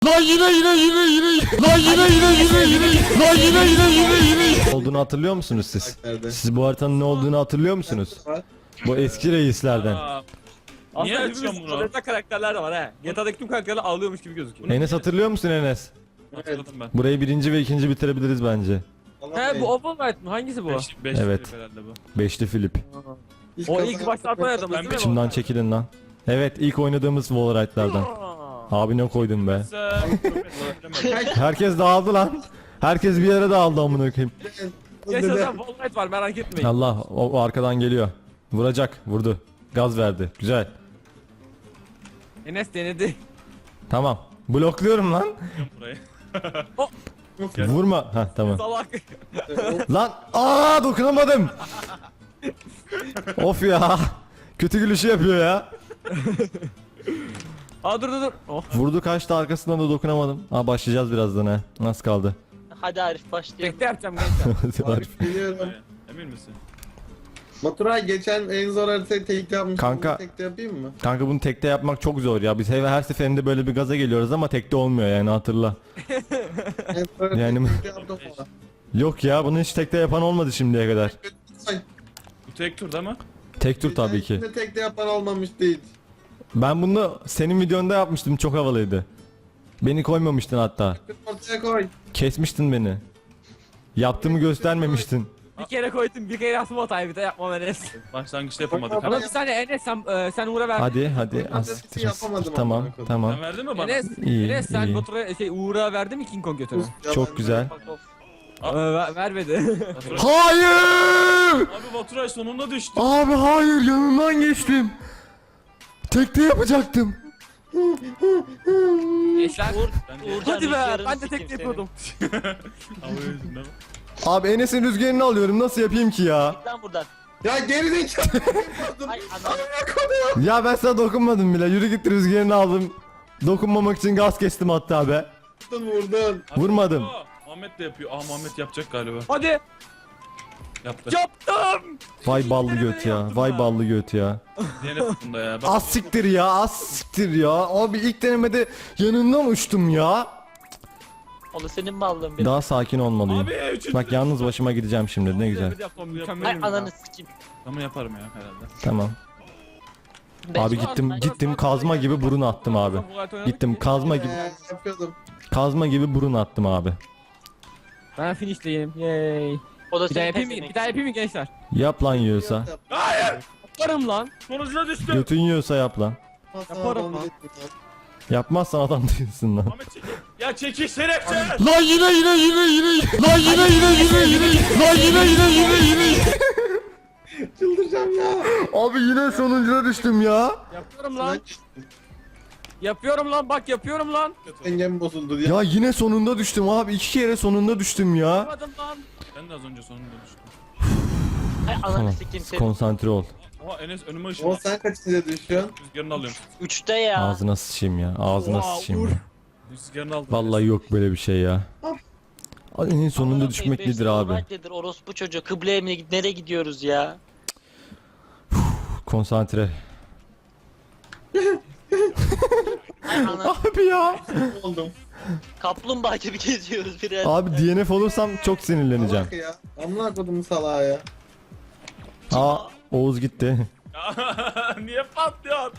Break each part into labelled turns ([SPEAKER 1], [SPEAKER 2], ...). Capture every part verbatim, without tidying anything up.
[SPEAKER 1] Lan yine yine yine yine lan yine yine yine yine lan yine yine yine yine olduğunu hatırlıyor musunuz siz? Siz bu haritanın ne olduğunu hatırlıyor musunuz? Bu eski reislerden.
[SPEAKER 2] Aa,
[SPEAKER 3] Aslında
[SPEAKER 2] Niye
[SPEAKER 3] hepimiz
[SPEAKER 2] açıyorsun bunu?
[SPEAKER 3] orada karakterler de var he. G T A'daki tüm karakterler ağlıyormuş gibi gözüküyor.
[SPEAKER 1] Enes hatırlıyor musun Enes?
[SPEAKER 2] hatırladım ben.
[SPEAKER 1] Burayı birinci ve ikinci bitirebiliriz bence.
[SPEAKER 3] He bu Oval Knight mı? Hangisi bu?
[SPEAKER 2] Beş, beş
[SPEAKER 1] Evet.
[SPEAKER 2] herhalde bu.
[SPEAKER 1] Beşli Filip.
[SPEAKER 3] O ilk başta atmayadım.
[SPEAKER 2] Ben
[SPEAKER 3] değil mi?
[SPEAKER 1] İçimden çekilin lan. Evet, ilk oynadığımız Wallride'lardan.
[SPEAKER 3] Aa.
[SPEAKER 1] Abi ne koydum be.
[SPEAKER 2] Sen
[SPEAKER 1] Herkes dağıldı lan. Herkes bir yere dağıldı amına koyayım.
[SPEAKER 3] Yaşasın Oval Knight var merak etmeyin.
[SPEAKER 1] Allah o, o arkadan geliyor. Vuracak, vurdu. Gaz verdi. Güzel.
[SPEAKER 3] Enes denedi.
[SPEAKER 1] Tamam. Blokluyorum lan.
[SPEAKER 2] burayı.
[SPEAKER 1] Vurma. Ha tamam.
[SPEAKER 3] Salak.
[SPEAKER 1] Lan aa dokunamadım. Of ya. Kötü gülüşü yapıyor ya.
[SPEAKER 3] Aa dur dur dur. Oh.
[SPEAKER 1] Vurdu kaçtı arkasından da dokunamadım. Aa başlayacağız birazdan ha. Nasıl kaldı?
[SPEAKER 4] Hadi Arif başlayalım.
[SPEAKER 3] Bekle yapacağım gençler.
[SPEAKER 5] Arif geliyorum.
[SPEAKER 2] Emin misin?
[SPEAKER 5] Baturay geçen en zor haritayı tekte yapmıştım.
[SPEAKER 1] Kanka.
[SPEAKER 5] Bunu tekte yapayım mı?
[SPEAKER 1] Kanka bunu tekte yapmak çok zor ya. Biz her, her seferinde böyle bir gaza geliyoruz ama tekte olmuyor yani hatırla.
[SPEAKER 5] En zor haritayı
[SPEAKER 1] Yani-
[SPEAKER 5] tekte yaptım ama.
[SPEAKER 1] Yok ya bunu hiç tekte yapan olmadı şimdiye kadar.
[SPEAKER 5] Ay,
[SPEAKER 2] Bu tek tur değil mi?
[SPEAKER 1] Tek tur tabii ki.
[SPEAKER 5] geçen tekte yapan olmamış değil.
[SPEAKER 1] Ben bunu senin videonda yapmıştım, çok havalıydı. Beni koymamıştın hatta.
[SPEAKER 5] Ortaya koy.
[SPEAKER 1] Kesmiştin beni. Yaptığımı göstermemiştin.
[SPEAKER 3] Bir kere koydum bir kere yaptım hatayı bir de yapmam Enes.
[SPEAKER 2] Başlangıçta yapamadık.
[SPEAKER 5] Bak,
[SPEAKER 3] Ama
[SPEAKER 2] Hadi.
[SPEAKER 3] bir saniye Enes sen, e, sen Uğur'a ver.
[SPEAKER 1] Hadi hadi.
[SPEAKER 5] Ben
[SPEAKER 1] Az
[SPEAKER 5] de
[SPEAKER 1] siktir.
[SPEAKER 5] yapamadım
[SPEAKER 1] Tamam
[SPEAKER 5] amına koyayım.
[SPEAKER 1] tamam.
[SPEAKER 2] Sen verdin mi bana?
[SPEAKER 3] Enes,
[SPEAKER 1] İyi,
[SPEAKER 3] Enes sen
[SPEAKER 1] iyi.
[SPEAKER 3] Batur'a şey Uğur'a verdin mi King Kong götürü?
[SPEAKER 1] Çok güzel.
[SPEAKER 3] Ee, ver, vermedi.
[SPEAKER 2] Baturay-
[SPEAKER 1] Hayır!
[SPEAKER 2] Abi Baturay sonunda düştü.
[SPEAKER 1] Abi hayır, yanından geçtim. Tekte yapacaktım.
[SPEAKER 3] Gençler.
[SPEAKER 4] Uğur,
[SPEAKER 2] Ben de-
[SPEAKER 4] Uğurcan
[SPEAKER 3] Hadi be
[SPEAKER 4] rüzgarını
[SPEAKER 3] ben de
[SPEAKER 4] sikeyim
[SPEAKER 3] tek
[SPEAKER 4] seni.
[SPEAKER 3] yapıyordum.
[SPEAKER 2] Abi yüzünden.
[SPEAKER 1] Abi Enes'in rüzgarını alıyorum, nasıl yapayım ki ya?
[SPEAKER 4] Git lan buradan.
[SPEAKER 5] Ya geri zekalı.
[SPEAKER 4] Ay anam.
[SPEAKER 1] Ya ben sana dokunmadım bile, yürü git, rüzgarını aldım. Dokunmamak için gaz kestim hatta be.
[SPEAKER 5] Vurdun vurdun.
[SPEAKER 1] Vurmadım.
[SPEAKER 2] Aa, Muhammed de yapıyor. Aa Muhammed yapacak galiba.
[SPEAKER 3] Hadi
[SPEAKER 2] Yaptı.
[SPEAKER 3] yaptım.
[SPEAKER 1] Vay ballı göt ya, vay ballı göt ya.
[SPEAKER 2] Diğer bunda ya. Bak,
[SPEAKER 1] Az siktir ya, az siktir ya. Abi ilk denemede yanından uçtum ya.
[SPEAKER 4] O da senin mallığın benim.
[SPEAKER 1] Daha sakin olmalıyım.
[SPEAKER 2] Abi üçüncü.
[SPEAKER 1] Bak yalnız başıma gideceğim şimdi, ne güzel.
[SPEAKER 3] Yaptım,
[SPEAKER 4] Ay
[SPEAKER 3] mükemmelim ya.
[SPEAKER 4] ananı sikeyim.
[SPEAKER 2] Ama yaparım ya herhalde.
[SPEAKER 1] Tamam.
[SPEAKER 4] Ben
[SPEAKER 1] Abi
[SPEAKER 4] şu an-
[SPEAKER 1] gittim
[SPEAKER 4] ben-
[SPEAKER 1] gittim kazma gibi burun attım abi. Gittim kazma gibi
[SPEAKER 5] Ee, yapıyordum.
[SPEAKER 1] kazma gibi burun attım abi.
[SPEAKER 3] Ben finishleyeyim. Yay.
[SPEAKER 4] O da
[SPEAKER 3] Bir daha
[SPEAKER 4] senin
[SPEAKER 3] yapayım mı?
[SPEAKER 4] pezevenk.
[SPEAKER 3] Bir daha yapayım mı gençler?
[SPEAKER 1] Yap lan yiyorsa.
[SPEAKER 3] Yaparım lan.
[SPEAKER 2] Sonucuna düştü.
[SPEAKER 1] Götün yiyorsa yap lan.
[SPEAKER 3] Yaparım lan.
[SPEAKER 1] Yapmazsan adam değilsin lan.
[SPEAKER 2] Muhammed çekil. Ya çekil şerefsiz.
[SPEAKER 1] Lan yine yine yine yine lan yine yine yine yine lan yine yine yine yine.
[SPEAKER 5] Çıldıracağım ya.
[SPEAKER 1] Abi yine sonuncuna düştüm ya.
[SPEAKER 3] Yapıyorum lan. Yapıyorum lan bak yapıyorum lan.
[SPEAKER 5] Dengem bozuldu diye.
[SPEAKER 1] Ya yine sonunda düştüm abi. İki kere sonunda düştüm ya.
[SPEAKER 3] Yapmadım lan.
[SPEAKER 2] Ben de az önce sonunda düştüm.
[SPEAKER 4] Ay ananı
[SPEAKER 1] Tamam.
[SPEAKER 4] sikeyim seni.
[SPEAKER 1] Konsantre ol.
[SPEAKER 2] Oha Enes önüme
[SPEAKER 5] O
[SPEAKER 2] ışınlandı.
[SPEAKER 5] sen kaçıncıya düşüyorsun?
[SPEAKER 2] Rüzgarını alıyorum.
[SPEAKER 4] Üçte ya.
[SPEAKER 1] Ağzına sıçayım ya. Ağzına
[SPEAKER 3] Oha,
[SPEAKER 1] sıçayım
[SPEAKER 3] Uğur.
[SPEAKER 1] ya.
[SPEAKER 2] Rüzgarını aldım.
[SPEAKER 1] Vallahi yok böyle bir şey ya. En sonunda
[SPEAKER 4] Amına
[SPEAKER 1] düşmek
[SPEAKER 4] koyayım,
[SPEAKER 1] nedir
[SPEAKER 4] beş
[SPEAKER 1] abi?
[SPEAKER 4] saat nedir? Orospu çocuğu kıbleye mi nereye gidiyoruz ya?
[SPEAKER 1] Konsantre.
[SPEAKER 4] Ay ana
[SPEAKER 1] Abi ya.
[SPEAKER 5] Oldum.
[SPEAKER 4] kaplumbağa gibi geziyoruz biraz.
[SPEAKER 1] Abi D N F olursam çok sinirleneceğim.
[SPEAKER 5] Salak ya. Amına kodum salağa ya.
[SPEAKER 1] Aa Oğuz gitti.
[SPEAKER 2] Niye patlıyor?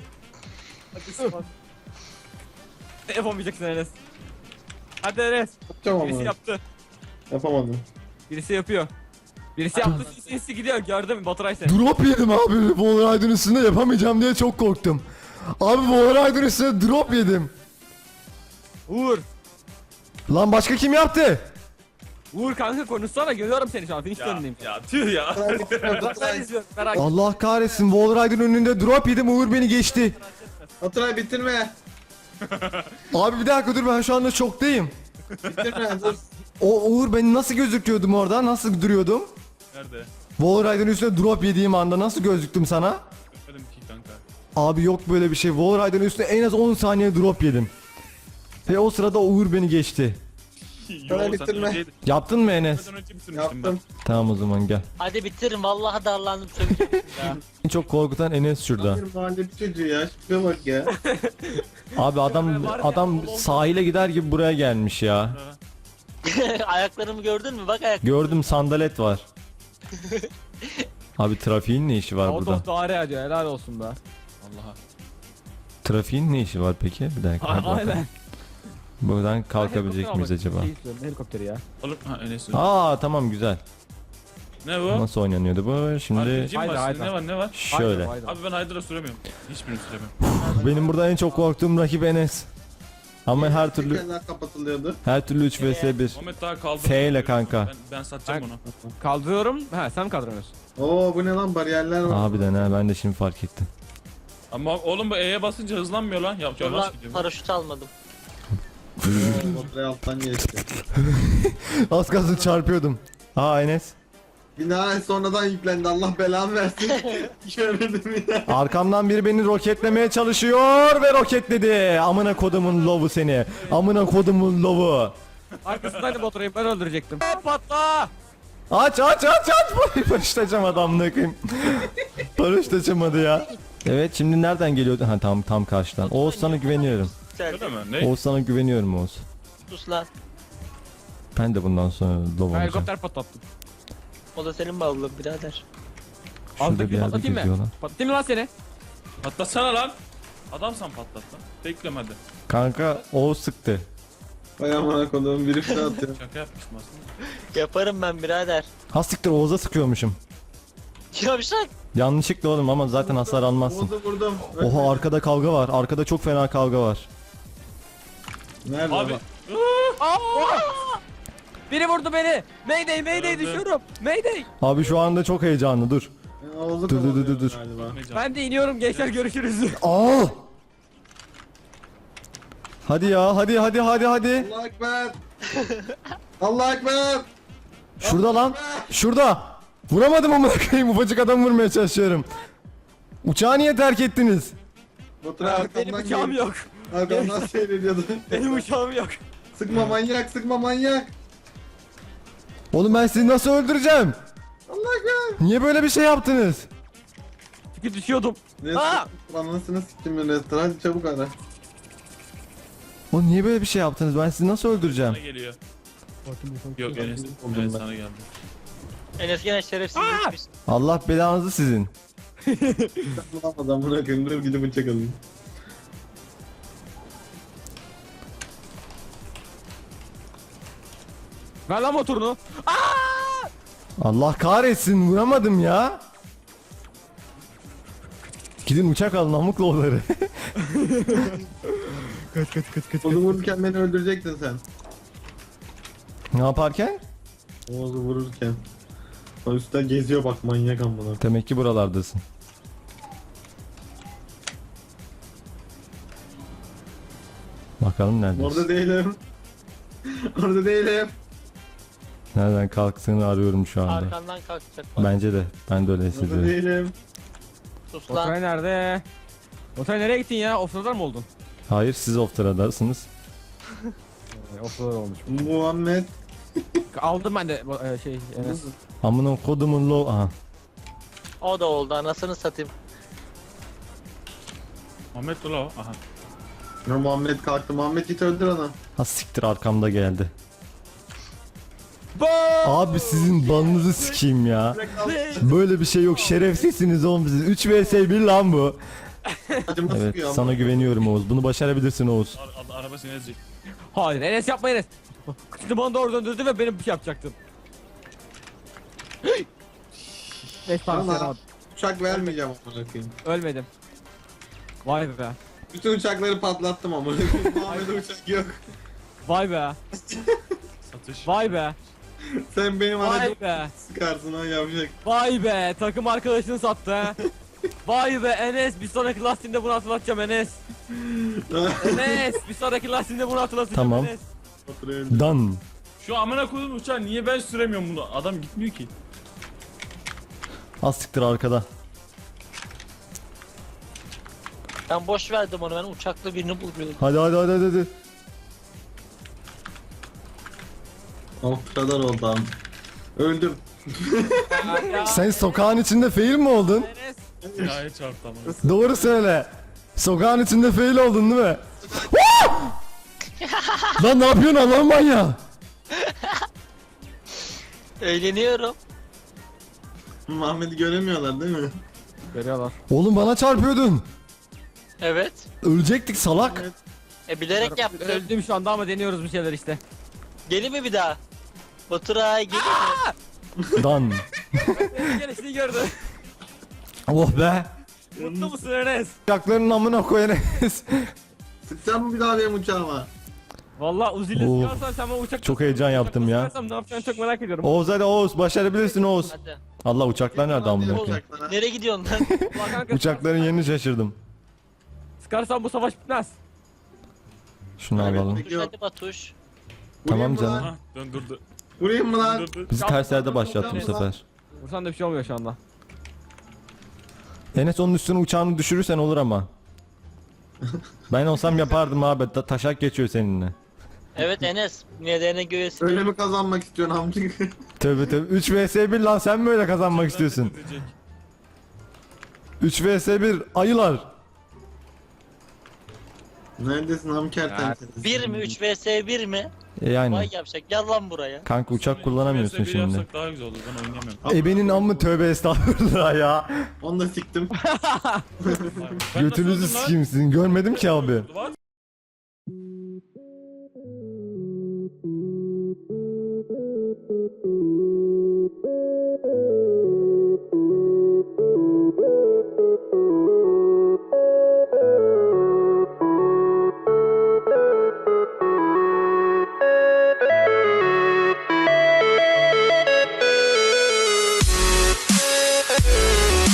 [SPEAKER 3] Ne yapamayacaksın Enes? Hadi Enes.
[SPEAKER 5] Yapacağım
[SPEAKER 3] Birisi
[SPEAKER 5] ama.
[SPEAKER 3] yaptı.
[SPEAKER 5] Yapamadım.
[SPEAKER 3] Birisi yapıyor. Birisi yaptı sinsi gidiyor gördün mü Baturay seni.
[SPEAKER 1] Drop yedim abi. Wallride'ın üstünde yapamayacağım diye çok korktum. Abi Wallride'ın üstünde drop yedim.
[SPEAKER 3] Uğur.
[SPEAKER 1] Lan başka kim yaptı?
[SPEAKER 3] Uğur kanka konuşsana görüyorum seni şu an finish
[SPEAKER 2] Ya,
[SPEAKER 3] önündeyim.
[SPEAKER 2] ya tüh ya.
[SPEAKER 3] Bak ben izliyorum merak etme.
[SPEAKER 1] Allah kahretsin, Wallride'ın önünde drop yedim, Uğur beni geçti.
[SPEAKER 5] Baturay bitirme.
[SPEAKER 1] Abi bir dakika dur, ben şu anda şoktayım.
[SPEAKER 5] Bitirme dur.
[SPEAKER 1] O Uğur beni nasıl gözüküyordum orada? Nasıl duruyordum?
[SPEAKER 2] Nerede?
[SPEAKER 1] Wallride'ın üstünde drop yediğim anda nasıl gözüktüm sana?
[SPEAKER 2] Görmedim ki kanka.
[SPEAKER 1] Abi yok böyle bir şey. Wallride'ın üstünde en az on saniye drop yedim. Ve o sırada Uğur beni geçti.
[SPEAKER 2] Yo sen
[SPEAKER 5] bitirme.
[SPEAKER 2] önce,
[SPEAKER 1] Yaptın mı Enes?
[SPEAKER 2] sen önce bitirmiştim ben.
[SPEAKER 5] Yaptım.
[SPEAKER 1] Tamam o zaman gel.
[SPEAKER 4] Hadi bitirin vallahi darlandım söyleyeceğim ya.
[SPEAKER 1] En çok korkutan Enes şurada.
[SPEAKER 5] Bir mahalle çocuğu ya. Şuraya bak ya.
[SPEAKER 1] Abi adam adam sahile gider gibi buraya gelmiş ya.
[SPEAKER 4] Ayaklarımı gördün mü? Bak ayak.
[SPEAKER 1] Gördüm sandalet var. Abi trafiğin ne işi var
[SPEAKER 3] O
[SPEAKER 1] burada?
[SPEAKER 3] dost ağrı diyor helal olsun be.
[SPEAKER 2] Allah'a.
[SPEAKER 1] Trafiğin ne işi var peki? Bir dakika. hadi bakalım.
[SPEAKER 3] Aynen.
[SPEAKER 1] Buradan kalkabilecek miyiz acaba?
[SPEAKER 3] Şey istiyorum, helikopteri ya.
[SPEAKER 2] Oğlum ha Enes.
[SPEAKER 1] Aa tamam güzel.
[SPEAKER 2] Ne bu?
[SPEAKER 1] Nasıl oynanıyordu bu? Şimdi
[SPEAKER 2] R P G mi
[SPEAKER 3] Haydi,
[SPEAKER 2] var?
[SPEAKER 3] haydi.
[SPEAKER 2] Ne var ne var?
[SPEAKER 1] şöyle.
[SPEAKER 3] Haydi, haydi.
[SPEAKER 2] Abi ben Hydra'ı süremiyorum. Hiçbirini süremiyorum.
[SPEAKER 1] Benim burada en çok korktuğum rakip Enes. Ama her türlü
[SPEAKER 5] Tekerler kapatılıyordu.
[SPEAKER 1] her türlü üç vs bir.
[SPEAKER 2] Muhammed daha kaldı.
[SPEAKER 1] F ile kanka.
[SPEAKER 2] Ben, ben satacağım onu.
[SPEAKER 3] Kaldırıyorum. Ha sen mi kaldırıyorsun?
[SPEAKER 5] Oo bu ne lan bariyerler var.
[SPEAKER 1] Harbiden ha ben de şimdi fark ettim.
[SPEAKER 2] Ama oğlum bu E'ye basınca hızlanmıyor lan. Yap
[SPEAKER 4] Dur
[SPEAKER 2] yavaş
[SPEAKER 4] lan
[SPEAKER 2] gidiyor.
[SPEAKER 4] paraşüt almadım.
[SPEAKER 5] Oo, Baturay'ı alttan geçti.
[SPEAKER 1] Az kalsın çarpıyordum. Aa Enes.
[SPEAKER 5] Bina sonradan yüklendi. Allah belamı versin. Göremedim ya.
[SPEAKER 1] Arkamdan biri beni roketlemeye çalışıyor ve roketledi. Amına kodumun lovu seni. Amına kodumun lovu.
[SPEAKER 3] Arkasındaydı Baturay'ı ben öldürecektim. Patla!
[SPEAKER 1] Aç aç aç aç. Paraşütacağım adamla koyayım. Paraşütacamadı ya. Evet şimdi nereden geliyordu? Ha tam tam karşıdan. Oğuz sana güveniyorum.
[SPEAKER 2] Öyle mi? Ne?
[SPEAKER 1] Oğuz sana güveniyorum Oğuz.
[SPEAKER 4] Sus lan.
[SPEAKER 1] Ben de bundan sonra lov
[SPEAKER 3] Ben
[SPEAKER 1] olacağım.
[SPEAKER 3] helikopter patlattım.
[SPEAKER 4] O da senin bağlılığın birader.
[SPEAKER 1] Şurada
[SPEAKER 3] Aldık
[SPEAKER 1] bir yerde
[SPEAKER 3] patlatayım
[SPEAKER 1] geziyor
[SPEAKER 3] mı?
[SPEAKER 1] lan.
[SPEAKER 3] Patlatayım mı lan seni?
[SPEAKER 2] Patlatsana lan. Adamsan patlat lan. Bekleme hadi.
[SPEAKER 1] Kanka Oğuz sıktı.
[SPEAKER 5] Vay amına koduğum biri fişe atıyor.
[SPEAKER 2] Şaka yapmışım aslında.
[SPEAKER 4] Yaparım ben birader.
[SPEAKER 1] Ha siktir Oğuz'a sıkıyormuşum.
[SPEAKER 4] Yavşak.
[SPEAKER 1] Yanlışlıkla oğlum ama zaten hasar almazsın.
[SPEAKER 5] Oğuz'u vurdum.
[SPEAKER 1] Oha arkada kavga var. Arkada çok fena kavga var.
[SPEAKER 5] Nerede
[SPEAKER 2] Abi.
[SPEAKER 5] lan?
[SPEAKER 3] Biri vurdu beni. Mayday mayday
[SPEAKER 2] Öldü.
[SPEAKER 3] düşüyorum. Mayday.
[SPEAKER 1] Abi şu anda çok heyecanlı dur.
[SPEAKER 5] Oğuz'u
[SPEAKER 1] Dur, dur, dur,
[SPEAKER 5] kovalıyor
[SPEAKER 1] dur.
[SPEAKER 5] galiba.
[SPEAKER 3] Ben de iniyorum gençler görüşürüz.
[SPEAKER 1] Aa! Hadi ya hadi hadi hadi hadi.
[SPEAKER 5] Allah ekber. Allah ekber.
[SPEAKER 1] Şurada lan. Şurada. Vuramadım amına koyayım. Ufacık adam vurmaya çalışıyorum. Uçağı niye terk ettiniz?
[SPEAKER 5] Baturay
[SPEAKER 3] Benim
[SPEAKER 5] arkamdan
[SPEAKER 3] uçağım
[SPEAKER 5] geliyor.
[SPEAKER 3] yok.
[SPEAKER 5] Arkamdan seyrediyordu.
[SPEAKER 3] Benim uçağım yok.
[SPEAKER 5] Sıkma manyak, sıkma manyak.
[SPEAKER 1] Oğlum ben sizi nasıl öldüreceğim?
[SPEAKER 5] Allah ekber.
[SPEAKER 1] Niye böyle bir şey yaptınız?
[SPEAKER 3] Çünkü düşüyordum. Aa!
[SPEAKER 5] Restoran anasını siktim ben restoran. Hadi çabuk ara.
[SPEAKER 1] Oğlum niye böyle bir şey yaptınız? Ben sizi nasıl öldüreceğim?
[SPEAKER 2] Sana geliyor. Yok Enes.
[SPEAKER 5] Oldum
[SPEAKER 2] Enes
[SPEAKER 5] ben.
[SPEAKER 2] sana geldi.
[SPEAKER 4] Enes gene şerefsizleşmiş.
[SPEAKER 1] Allah belanızı sizin.
[SPEAKER 5] Lan adamına koyayım. Dur gidip bıçak alayım.
[SPEAKER 3] Ver lan motorunu.
[SPEAKER 1] Allah kahretsin vuramadım ya. Gidin uçak alın amık lovları.
[SPEAKER 5] Oğuz'u vururken beni öldürecektin sen.
[SPEAKER 1] Ne yaparken?
[SPEAKER 5] Oğuz'u vururken. O üstten geziyor bak manyak amına.
[SPEAKER 1] Demek ki buralardasın. Bakalım neredesin?
[SPEAKER 5] Orada değilim. Orada değilim.
[SPEAKER 1] Nereden kalktığını arıyorum şu anda.
[SPEAKER 4] Arkandan kalkacak bak.
[SPEAKER 1] Bence de. Ben de öyle
[SPEAKER 5] Orada
[SPEAKER 1] hissediyorum.
[SPEAKER 5] değilim.
[SPEAKER 4] Sus lan.
[SPEAKER 3] Oturay nerede? Oturay nereye gittin ya? Offroader mı oldun?
[SPEAKER 1] Hayır siz off-trada'sınız.
[SPEAKER 3] Ee, Offroader olmuş.
[SPEAKER 5] Muhammed.
[SPEAKER 3] Aldım ben de bu, e, şey Enes.
[SPEAKER 1] Amına kodumun lo... Aha.
[SPEAKER 4] O da oldu anasını satayım.
[SPEAKER 2] Muhammed dur la o. Aha.
[SPEAKER 5] Ya Muhammed kalktı. Muhammed git öldür onu.
[SPEAKER 1] Ha siktir arkamda geldi.
[SPEAKER 3] Bo!
[SPEAKER 1] Abi sizin balınızı sikeyim ya. Böyle bir şey yok. Şerefsizsiniz oğlum siz. üç vs bir lan bu.
[SPEAKER 5] Acıma
[SPEAKER 1] Evet
[SPEAKER 5] sıkıyor
[SPEAKER 1] sana
[SPEAKER 5] ama.
[SPEAKER 1] güveniyorum Oğuz. Bunu başarabilirsin Oğuz.
[SPEAKER 2] Ar- ar- araba seni ezecek.
[SPEAKER 3] Hayır Enes yapma Enes. Kıçını bana doğru döndürdü ve benim bir şey yapacaktın. Beş tane
[SPEAKER 5] Tamam.
[SPEAKER 3] sen al.
[SPEAKER 5] Uçak vermeyeceğim amına koyayım.
[SPEAKER 3] Ölmedim. Vay be.
[SPEAKER 5] Bütün uçakları patlattım amına koyayım. Muhammed'e uçak yok.
[SPEAKER 3] Vay be.
[SPEAKER 2] Satış.
[SPEAKER 3] Vay be.
[SPEAKER 5] Sen benim aracımı
[SPEAKER 3] Vay be.
[SPEAKER 5] sıkarsın ha yavşak.
[SPEAKER 3] Vay be. Takım arkadaşını sattı ha. Vay be Enes. Bir sonraki lastiğinde bunu hatırlatacağım Enes. Enes. Bir sonraki lastiğinde bunu hatırlatacağım
[SPEAKER 1] Tamam.
[SPEAKER 3] Enes.
[SPEAKER 5] Faturayı öldür.
[SPEAKER 1] Dan.
[SPEAKER 2] Şu amına koyduğum uçağı niye ben süremiyorum bunu? Adam gitmiyor ki.
[SPEAKER 1] Az siktir arkada.
[SPEAKER 4] Ben boş verdim onu ben uçaklı birini buluyordum.
[SPEAKER 1] Hadi hadi hadi hadi. hadi.
[SPEAKER 5] Of kadar oldu abi. Öldüm.
[SPEAKER 1] Sen sokağın içinde fail mi oldun?
[SPEAKER 3] Enes.
[SPEAKER 2] Binaya çarptı ama.
[SPEAKER 1] Doğru söyle. Sokağın içinde fail oldun değil mi? Lan ne yapıyorsun Allah'ım manyağı?
[SPEAKER 4] Eğleniyorum.
[SPEAKER 5] Muhammed'i göremiyorlar değil mi?
[SPEAKER 3] Görüyorlar.
[SPEAKER 1] Oğlum bana çarpıyordun.
[SPEAKER 4] Evet.
[SPEAKER 1] Ölecektik salak.
[SPEAKER 4] E bilerek yaptım.
[SPEAKER 3] Öldüm şu anda ama deniyoruz bir şeyler işte.
[SPEAKER 4] Gelin mi bir daha? Baturay gelin mi?
[SPEAKER 1] Dan.
[SPEAKER 3] Gelişini gördü.
[SPEAKER 1] Oh be.
[SPEAKER 3] Mutlu musun Enes?
[SPEAKER 1] Uçakların amına koyanız.
[SPEAKER 5] Sıkacağım mı bir daha benim uçağıma?
[SPEAKER 3] Valla Uzi'yle
[SPEAKER 1] Of.
[SPEAKER 3] sıkarsan sen bana uçak...
[SPEAKER 1] Çok heyecan yaptım ya.
[SPEAKER 3] Sıkarsam ne yapacağını çok merak ediyorum.
[SPEAKER 1] Oğuz hadi Oğuz başarabilirsin Oğuz.
[SPEAKER 4] Hadi.
[SPEAKER 1] Allah uçaklar nerede amına koyayım?
[SPEAKER 5] Uçaklara.
[SPEAKER 4] Nereye gidiyorsun lan?
[SPEAKER 3] Ulan kanka,
[SPEAKER 1] Uçakların yerini şaşırdım.
[SPEAKER 3] Sıkarsan bu savaş bitmez.
[SPEAKER 1] Şunu
[SPEAKER 5] Evet,
[SPEAKER 1] alalım.
[SPEAKER 4] Tuş hadi Batuş.
[SPEAKER 1] Tamam
[SPEAKER 5] Vurayım mı
[SPEAKER 1] canım.
[SPEAKER 5] lan?
[SPEAKER 2] Hah döndürdü.
[SPEAKER 5] Vurayım mı lan?
[SPEAKER 2] Döndürdü.
[SPEAKER 1] Bizi ters yerde başlattı bu sefer.
[SPEAKER 3] Vursan da bir şey olmuyor şu anda.
[SPEAKER 1] Enes onun üstüne uçağını düşürürsen olur ama. Ben olsam yapardım abi. Ta- taşak geçiyor seninle.
[SPEAKER 4] Evet Enes. Nedeni göğesi.
[SPEAKER 5] Öyle mi kazanmak istiyorsun amcık?
[SPEAKER 1] Tövbe tövbe. üç vs bir lan sen mi öyle kazanmak istiyorsun?
[SPEAKER 2] Edecek.
[SPEAKER 1] üç vs bir ayılar.
[SPEAKER 5] Neredesin amker temsilcisi?
[SPEAKER 4] bir mi? üç vs bir mi?
[SPEAKER 1] E yani.
[SPEAKER 4] Vay yapacak. Gel lan buraya.
[SPEAKER 1] Kanka uçak kullanamıyorsun
[SPEAKER 2] Bir vs bir
[SPEAKER 1] şimdi.
[SPEAKER 2] yapsak daha güzel olur. Ben oynayamıyorum.
[SPEAKER 1] Ebenin amı tövbe estağfurullah ya.
[SPEAKER 5] Onu da siktim.
[SPEAKER 2] Ben nasıl
[SPEAKER 1] Götünüzü
[SPEAKER 2] öldüm lan?
[SPEAKER 1] sikeyim sizin. Görmedim ki abi.
[SPEAKER 2] Var.